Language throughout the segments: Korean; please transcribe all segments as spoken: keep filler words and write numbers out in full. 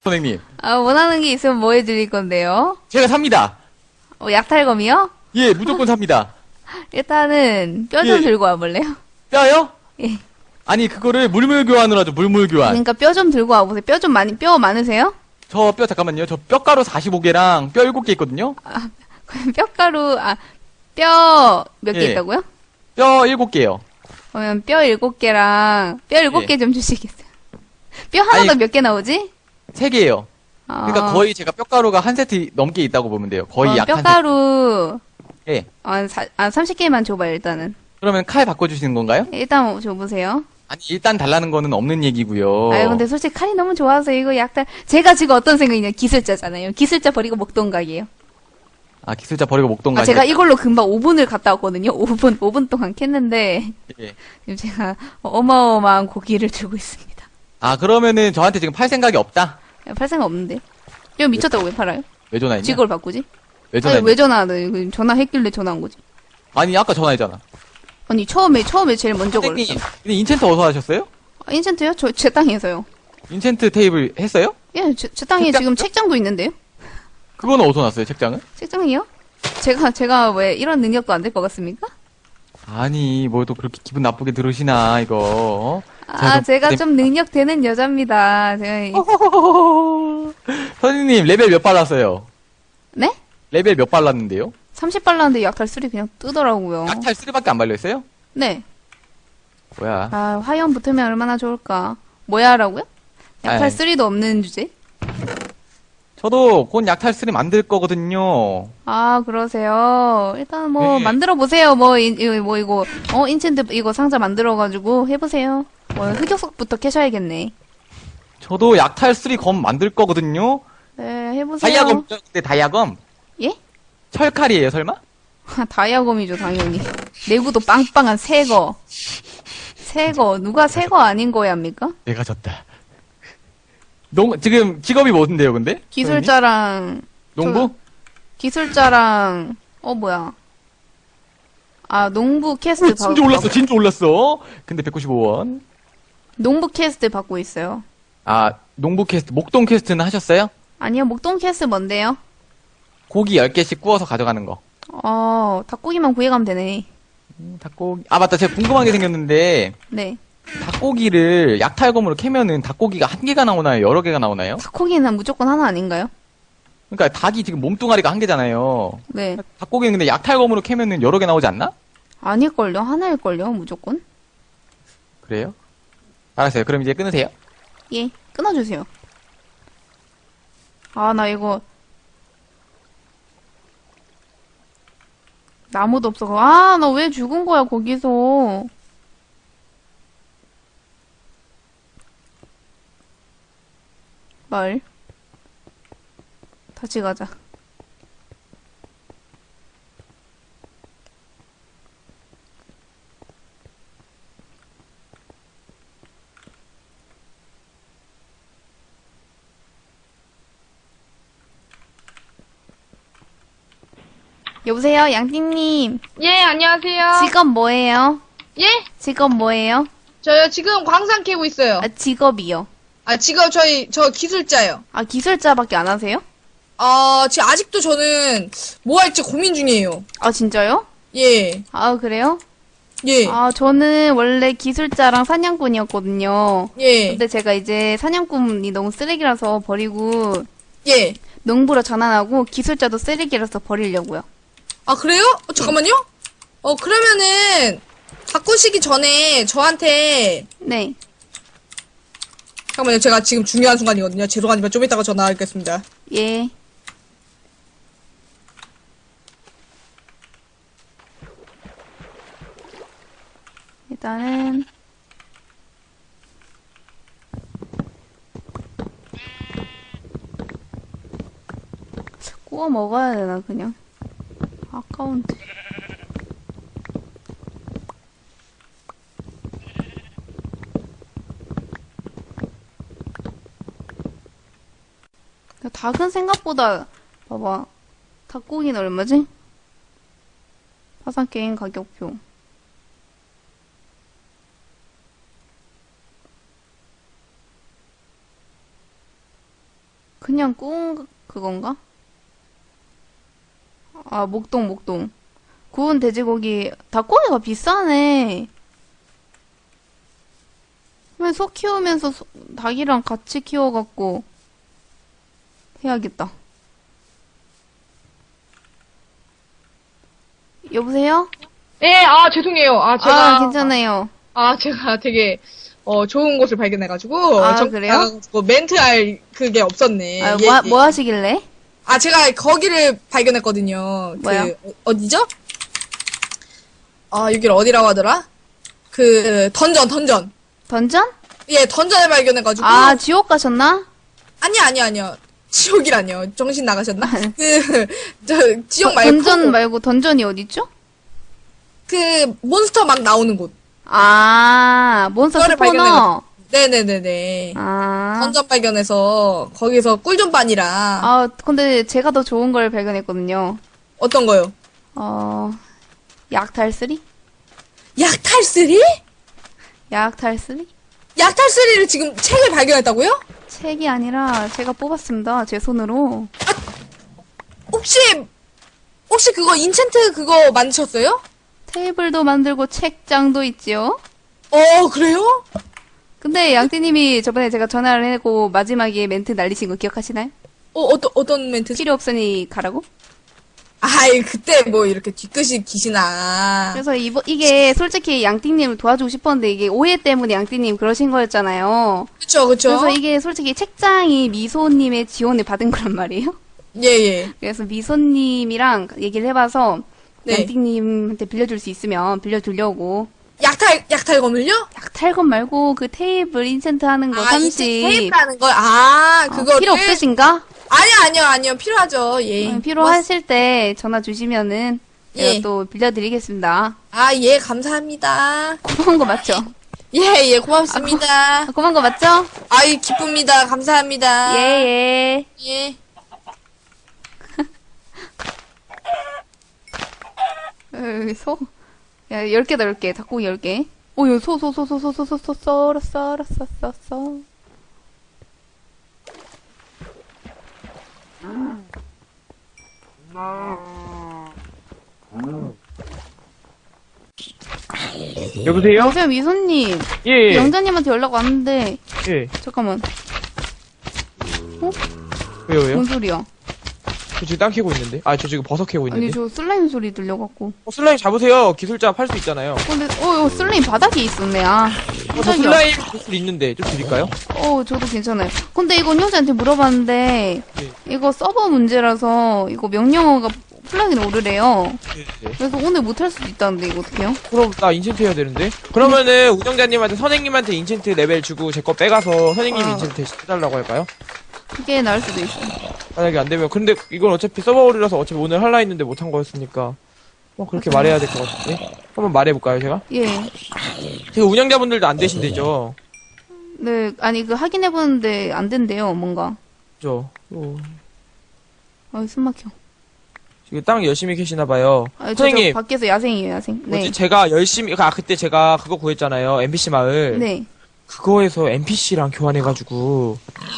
선생님. 아, 원하는 게 있으면 뭐 해드릴 건데요? 제가 삽니다. 어, 약탈검이요? 예, 무조건 삽니다. 일단은 뼈 좀 예. 들고 와볼래요? 뼈요? 예. 아니, 그거를 물물 교환으로 하죠, 물물 교환. 그러니까 뼈 좀 들고 와보세요. 뼈 좀 많이, 뼈 많으세요? 저 뼈, 잠깐만요. 저 뼈가루 사십오 개랑 뼈 일곱 개 있거든요? 그럼 뼈가루, 아, 뼈 몇 개 예. 있다고요? 뼈 일곱 개요. 그러면 뼈 일곱 개랑 뼈 일곱 개 좀 주시겠어요? 뼈 하나당 아니, 몇 개 나오지? 세 개예요. 어, 그러니까 거의 제가 뼈가루가 한 세트 넘게 있다고 보면 돼요. 거의 어, 약 한 세트. 뼈가루, 예. 아, 사, 아, 삼십 개만 줘봐요, 일단은. 그러면 칼 바꿔주시는 건가요? 일단 줘보세요. 아니, 일단 달라는 거는 없는 얘기고요. 아유, 근데 솔직히 칼이 너무 좋아서 이거 약탈, 제가 지금 어떤 생각이냐, 기술자잖아요. 기술자 버리고 먹던각이에요. 아, 기술자 버리고 목동 아, 가시. 제가 이걸로 금방 오 분을 갔다 왔거든요. 오 분, 오 분 동안 캤는데, 예. 지금 제가 어마어마한 고기를 들고 있습니다. 아, 그러면은 저한테 지금 팔 생각이 없다? 팔 생각 없는데. 이거 미쳤다고 왜 팔아요? 왜 전화했냐? 직업을 바꾸지? 왜 아니, 전화했냐? 왜 전화하는, 전화했길래 전화한 거지? 아니, 아까 전화했잖아. 아니, 처음에, 처음에 제일 먼저 선생님, 걸었어. 근데 인챈트 어디서 하셨어요? 아, 인챈트요? 저, 제 땅에서요. 인챈트 테이블 했어요? 예, 제, 제 땅에 책장- 지금 책장도 있는데요? 그거는 어디서 났어요, 책장은? 책장이요? 제가, 제가 왜 이런 능력도 안 될 것 같습니까? 아니, 뭐 또 그렇게 기분 나쁘게 들으시나, 이거. 아, 그- 제가 네. 좀 능력 되는 여자입니다. 제가, 이- 선생님, 레벨 몇 발랐어요? 네? 레벨 몇 발랐는데요? 삼십 발랐는데 약탈 쓰리 그냥 뜨더라고요. 약탈 쓰리밖에 안 발렸어요? 네. 뭐야. 아, 화염 붙으면 얼마나 좋을까. 뭐야라고요? 약탈 아이. 쓰리도 없는 주제? 저도 곧 약탈 쓰리 만들 거거든요. 아, 그러세요. 일단 뭐, 네. 만들어 보세요. 뭐, 이, 이- 뭐, 이거, 어, 인챈트 이거 상자 만들어가지고 해보세요. 뭐, 흑역석부터 캐셔야겠네. 저도 약탈 쓰리 검 만들 거거든요. 네, 해보세요. 다이아검이죠? 근데 다이아검? 예? 철칼이에요, 설마? 아, 다이아검이죠, 당연히. 내구도 빵빵한 새거. 새거. 누가 새거 아닌 거야, 합니까? 내가 졌다. 농, 지금 직업이 뭔데요, 근데? 선생님? 기술자랑, 농부? 기술자랑, 어, 뭐야. 아, 농부 캐스트 받, 진주 올랐어, 진주 올랐어. 근데 백구십오 원. 농부 캐스트 받고 있어요. 아, 농부 퀘스트, 목동 퀘스트는 하셨어요? 아니요, 목동 캐스트 뭔데요? 고기 열 개씩 구워서 가져가는 거. 어, 닭고기만 구해가면 되네. 음, 닭고기. 아, 맞다. 제가 궁금한 게 생겼는데, 네. 닭고기를 약탈검으로 캐면은 닭고기가 한 개가 나오나요? 여러 개가 나오나요? 닭고기는 무조건 하나 아닌가요? 그러니까 닭이 지금 몸뚱아리가 한 개잖아요. 네. 닭고기는 근데 약탈검으로 캐면은 여러 개 나오지 않나? 아닐걸요? 하나일걸요? 무조건? 그래요? 알았어요. 그럼 이제 끊으세요. 예, 끊어주세요. 아, 나 이거. 나무도 없어. 아, 나 왜 죽은 거야, 거기서. 말. 다시 가자. 여보세요, 양띵님. 예, 안녕하세요. 직업 뭐예요? 예? 직업 뭐예요? 저요, 지금 광산 캐고 있어요. 아, 직업이요. 아, 지금 저희, 저 기술자요. 아, 기술자밖에 안 하세요? 아, 지금 아직도 저는 뭐 할지 고민 중이에요. 아, 진짜요? 예, 아, 그래요? 예, 아, 저는 원래 기술자랑 사냥꾼이었거든요. 예, 근데 제가 이제 사냥꾼이 너무 쓰레기라서 버리고, 예. 농부로 전환하고, 기술자도 쓰레기라서 버리려고요. 아, 그래요? 어, 잠깐만요? 어, 그러면은, 바꾸시기 전에 저한테, 네. 잠깐만요. 제가 지금 중요한 순간이거든요. 죄송하지만 좀 이따가 전화하겠습니다. 예. 일단은, 구워 먹어야 되나, 그냥. 아까운데. 닭은 생각보다, 봐봐. 닭고기는 얼마지? 파산게임 가격표. 그냥 구운 그건가? 아, 목동, 목동. 구운 돼지고기, 닭고기가 비싸네. 그러면 소 키우면서 소- 닭이랑 같이 키워갖고 해야겠다. 여보세요? 네, 아, 죄송해요. 아, 제가. 아, 괜찮아요. 아, 제가 되게, 어, 좋은 곳을 발견해가지고. 아, 정- 그래요? 나가가지고 멘트 할 그게 없었네. 아, 예, 뭐, 예. 뭐 하시길래? 아, 제가 거기를 발견했거든요. 뭐요? 그, 어- 어디죠? 아, 여기를 어디라고 하더라? 그, 던전, 던전. 던전? 예, 던전을 발견해가지고. 아, 지옥 가셨나? 아니, 아니, 아니요. 지옥이라뇨. 정신 나가셨나? 그, 저, 지옥 말고. 던전 말고 던전이 어딨죠? 그, 몬스터 막 나오는 곳. 아, 몬스터 그거를 스포너. 발견해가지고. 네네네네. 아. 던전 발견해서, 거기서 꿀존반이라. 아, 근데 제가 더 좋은 걸 발견했거든요. 어떤 거요? 어, 약탈쓰리? 약탈쓰리? 약탈쓰리? 약탈쓰리를 지금 책을 발견했다고요? 책이 아니라 제가 뽑았습니다. 제 손으로. 혹시, 혹시 그거 인챈트 그거 만드셨어요? 테이블도 만들고 책장도 있지요. 어, 그래요? 근데 양띠님이 저번에 제가 전화를 해고 마지막에 멘트 날리신 거 기억하시나요? 어, 어떤, 어떤 멘트지? 필요 없으니 가라고? 아이, 그때 뭐 이렇게 뒤끝이 기시나. 그래서 이거, 이게 솔직히 양띠님을 도와주고 싶었는데 이게 오해 때문에 양띠님 그러신 거였잖아요. 그쵸, 그쵸. 그래서 이게 솔직히 책장이 미소님의 지원을 받은 거란 말이에요. 예, 예. 그래서 미소님이랑 얘기를 해봐서 네. 양띵님한테 빌려줄 수 있으면 빌려주려고. 약탈, 약탈검을요? 약탈건 말고 그 테이블 인챈트 하는 거 아, 삼십. 테이프라는 거? 아, 어, 그거를. 필요 없으신가? 아니요, 아니요, 아니요. 필요하죠. 예. 응, 필요하실 때 전화 주시면은 제가 예. 또 빌려드리겠습니다. 아, 예, 감사합니다. 고마운 거 맞죠? 예, 예, 고맙습니다. 아, 고마운 거 맞죠? 아이, 기쁩니다. 감사합니다. 예, 예. 예. 여기 소. 야, 열 개다, 열 개. 닭고기 열 개. 오, 여기 소, 소, 소, 소, 소, 소, 소, 소, 썰어, 썰어, 썰어, 썰어, 썰어. 여보세요? 여보세요, 미소님. 예, 예. 영자님한테 연락 왔는데, 예. 잠깐만. 왜요, 왜요? 뭔 소리야? 저 지금 땅 캐고 있는데. 아, 저 지금 버섯 캐고 있는데. 아니, 저 슬라임 소리 들려갖고. 어, 슬라임 잡으세요. 기술자 팔 수 있잖아요. 근데, 어, 어, 슬라임 바닥에 있었네, 아. 어, 저 깜짝이야. 슬라임 기술 있는데 좀 드릴까요? 어, 저도 괜찮아요. 근데 이건 형제한테 물어봤는데, 네. 이거 서버 문제라서, 이거 명령어가 플러그인 오르래요. 네, 네. 그래서 오늘 못할 수도 있다는데, 이거 어떡해요? 그럼 나 인챈트 해야 되는데. 그러면은 운영자님한테 선생님한테 인챈트 레벨 주고 제 거 빼가서 선생님 아. 인챈트 대신 해달라고 할까요? 그게 나을 수도 있어. 만약에 안 되면. 근데 이건 어차피 서버 오류라서 어차피 오늘 할라 했는데 못한 거였으니까. 뭐 그렇게 말해야 될 것 같은데. 한번 말해볼까요, 제가? 예. 제가 운영자분들도 안 되신대죠. 네, 아니, 그 확인해보는데 안 된대요, 뭔가. 그죠? 어, 아, 숨 막혀. 지금 땅 열심히 캐시나봐요. 아, 저, 저 선생님. 밖에서 야생이에요, 야생. 네. 뭐지? 제가 열심히, 아, 그때 제가 그거 구했잖아요. 엠피씨 마을. 네. 그거에서 엠피씨랑 교환해가지고,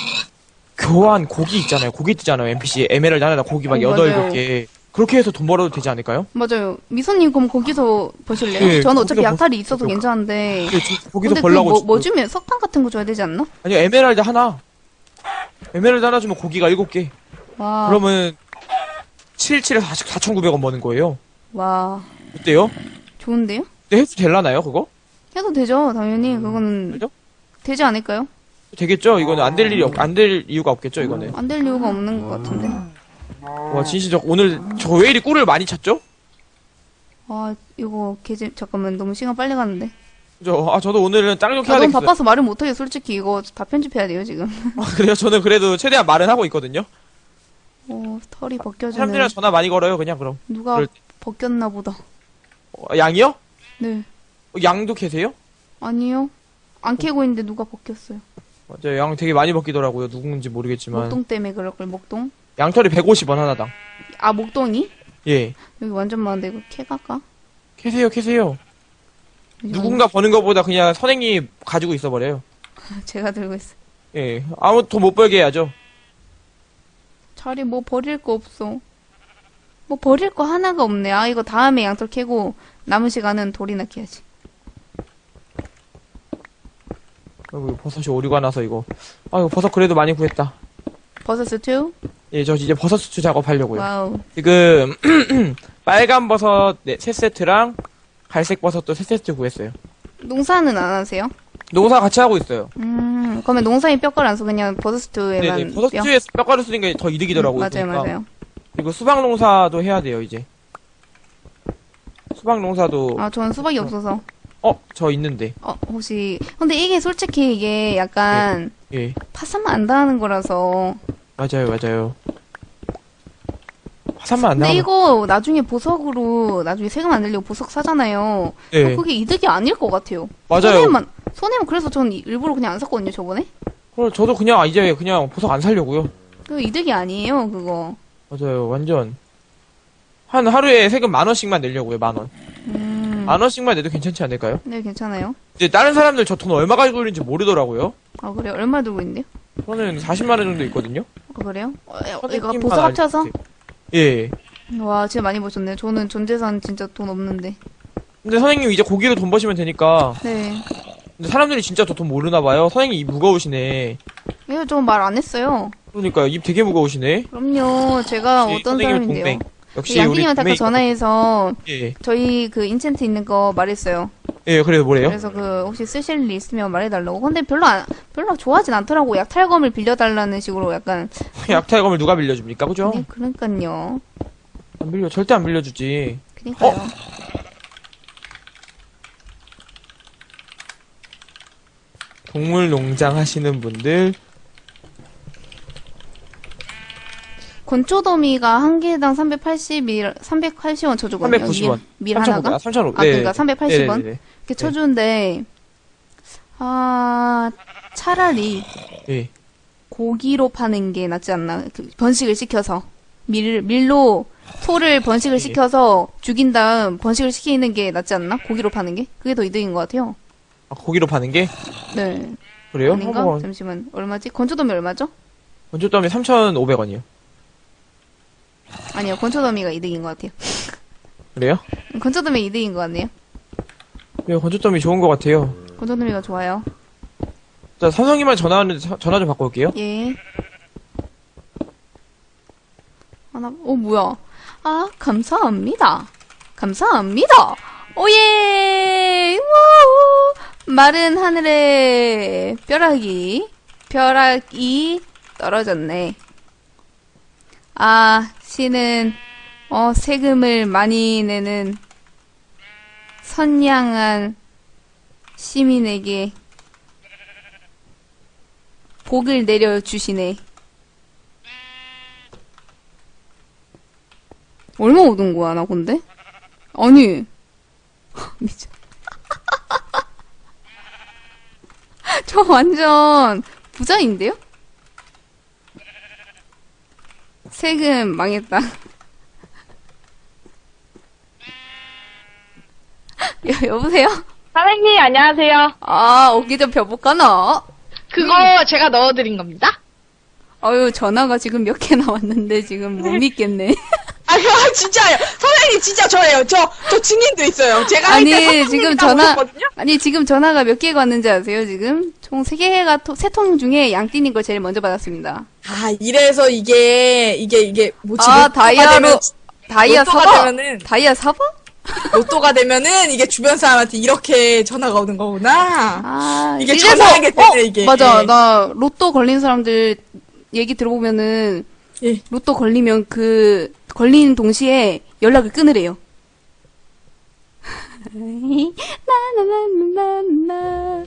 교환 고기 있잖아요. 고기 뜨잖아요. 엠피씨. 에메랄드 하나다 고기 막 어, 여덟 맞아요. 개. 그렇게 해서 돈 벌어도 되지 않을까요? 맞아요. 미소님, 그럼 거기서 보실래요? 네, 저는 어차피 거기서 약탈이 보- 있어서 보- 괜찮은데. 네, 저 거기서 근데 그 벌라고. 뭐, 주- 뭐 주면 석탄 같은 거 줘야 되지 않나? 아니요, 에메랄드 하나. 에메랄드 하나 주면 고기가 일곱 개. 와. 그러면, 칠십칠에서 사천구백 원 버는 거예요. 와. 어때요? 좋은데요? 근데 해도 될라나요, 그거? 해도 되죠, 당연히. 그거는. 그죠? 되지 않을까요? 되겠죠? 이거는 안 될 일이 없, 안 될 이유가 없겠죠, 이거는. 안 될 이유가 없는 것 같은데. 와, 진짜 저 오늘, 저 왜 이리 꿀을 많이 찾죠? 아, 이거, 개재, 잠깐만, 너무 시간 빨리 가는데. 그죠? 아, 저도 오늘은 땅 좀 아, 캐야 너무 되겠어요. 바빠서 말을 못하게 솔직히 이거 다 편집해야 돼요, 지금. 아, 그래요? 저는 그래도 최대한 말은 하고 있거든요. 어, 털이 벗겨지는. 사람들이랑 전화 많이 걸어요, 그냥 그럼. 누가 그럴 때. 벗겼나 보다. 어, 양이요? 네. 어, 양도 캐세요? 아니요. 안 캐고 있는데 누가 벗겼어요. 맞아요. 양 되게 많이 먹기더라고요. 누군지 모르겠지만. 목동 때문에 그럴 걸, 목동? 양털이 백오십 원 하나당. 아, 목동이? 예. 여기 완전 많은데 이거 캐갈까? 캐세요, 캐세요. 이건 누군가 버는 것보다 그냥 선생님이 가지고 있어버려요. 제가 들고 있어. 예. 아무 돈 못 벌게 해야죠. 자리 뭐 버릴 거 없어. 뭐 버릴 거 하나가 없네. 아, 이거 다음에 양털 캐고 남은 시간은 돌이나 캐야지. 아이고, 버섯이 오류가 나서 이거. 아, 이거 버섯 그래도 많이 구했다. 버섯 스튜? 예, 저 이제 버섯 수출 작업하려고요. 와우. 지금, 빨간 버섯 네, 세 세트랑 갈색 버섯도 세 세트 구했어요. 농사는 안 하세요? 농사 같이 하고 있어요. 음, 그러면 농사에 뼈가루 안 써. 그냥 버섯 스튜에만. 네네, 버섯 뼈? 수출에 뼈가루 쓰는 게 더 이득이더라고요. 맞아요, 그러니까. 맞아요. 그리고 수박 농사도 해야 돼요, 이제. 수박 농사도, 아, 저는 수박이 없어서. 어, 저 있는데. 어, 혹시. 근데 이게 솔직히 이게 약간 예, 파산만 안 당하는 거라서. 맞아요, 맞아요. 화산만 안 근데 나오면. 이거 나중에 보석으로 나중에 세금 안 내려고 보석 사잖아요. 예, 어, 그게 이득이 아닐 것 같아요. 맞아요. 손해만 손해만 그래서 전 일부러 그냥 안 샀거든요 저번에. 그럼 저도 그냥 이제 그냥 보석 안 살려고요. 그거 이득이 아니에요 그거. 맞아요, 완전. 한 하루에 세금 만 원씩만 내려고요, 만 원. 음. 만 원씩만 내도 괜찮지 않을까요? 네 괜찮아요. 이제 다른 사람들 저 돈 얼마 가지고 있는지 모르더라고요. 아 그래요? 얼마 들고 있는데요? 저는 사십만 원 정도 있거든요. 아 그래요? 어, 어, 이거 선생님만 보석 합쳐서? 알지. 예. 와 진짜 많이 버셨네요. 저는 전 재산 진짜 돈 없는데. 근데 선생님 이제 고기로 돈 버시면 되니까. 네. 근데 사람들이 진짜 저 돈 모르나 봐요. 선생님 입 무거우시네. 이거 좀 말 안 했어요. 그러니까요, 입 되게 무거우시네. 그럼요. 제가 역시 어떤 선생님은 사람인데요. 동맹. 역시 우리 양띵님한테 아까 동맹이- 전화해서 예, 저희 그 인챈트 있는 거 말했어요. 예, 그래서 뭐래요? 그래서 그 혹시 쓰실 일 있으면 말해달라고. 근데 별로 안 별로 좋아하진 않더라고. 약탈검을 빌려달라는 식으로 약간. 약탈검을 누가 빌려줍니까, 그죠? 네, 그러니까요. 안 빌려, 절대 안 빌려주지. 그니까요. 어? 동물 농장 하시는 분들, 건초더미가 한 개당 삼백팔십 원, 삼백팔십 원 쳐주거든요. 삼백구십 원. 밀, 밀 하나가? 삼천오백. 아, 그러니까 삼백팔십 원? 네네네. 이렇게 쳐주는데, 아, 차라리 예. 고기로 파는 게 낫지 않나. 그 번식을 시켜서. 밀, 밀로 소를 번식을 예. 시켜서 죽인 다음 번식을 시키는 게 낫지 않나? 고기로 파는 게? 그게 더 이득인 것 같아요. 아, 고기로 파는 게? 네. 그래요? 아닌가? 한번, 잠시만. 얼마지? 건초더미 얼마죠? 원조점이 삼천오백 원이요. 아니요. 건초더미가 이득인 것 같아요. 그래요? 건초더미 이득인 것 같네요. 네, 건조점이 좋은 것 같아요. 건초더미가 좋아요. 자, 삼성이만 전화 왔는데 사- 전화 좀 바꿔 올게요. 예. 하나, 어, 뭐야. 아, 감사합니다. 감사합니다. 오예! 와우! 마른 하늘에 벼락이, 벼락이 떨어졌네. 아, 신은, 어, 세금을 많이 내는 선량한 시민에게 복을 내려주시네. 얼마 얻은 거야, 나 근데? 아니. 미쳐. 저 완전 부자인데요? 세금 망했다. 여, 여보세요? 선생님, 안녕하세요. 아, 오기 좀 벼볼까나? 그거 제가 넣어드린 겁니다. 어유 전화가 지금 몇 개 나왔는데 지금 못 믿겠네. 아유, 진짜요. 선생님, 진짜 저예요. 저, 저 증인도 있어요. 제가 할 아니, 때 선생님이 지금 다 전화, 오셨거든요? 아니, 지금 전화가 몇 개가 왔는지 아세요, 지금? 총 세 개가, 세 통 중에 양띠님 걸 제일 먼저 받았습니다. 아, 이래서 이게, 이게, 이게, 뭐지? 아, 로또가 다이아로, 되면, 다이아 로또가 사봐? 되면은- 다이아 사봐? 로또가 되면은 이게 주변 사람한테 이렇게 전화가 오는 거구나. 아, 이게 이래서- 전화하게 되네, 어, 이게. 맞아. 예. 나 로또 걸린 사람들 얘기 들어보면은, 예. 로또 걸리면 그, 걸리는 동시에 연락을 끊으래요. 나나나나나.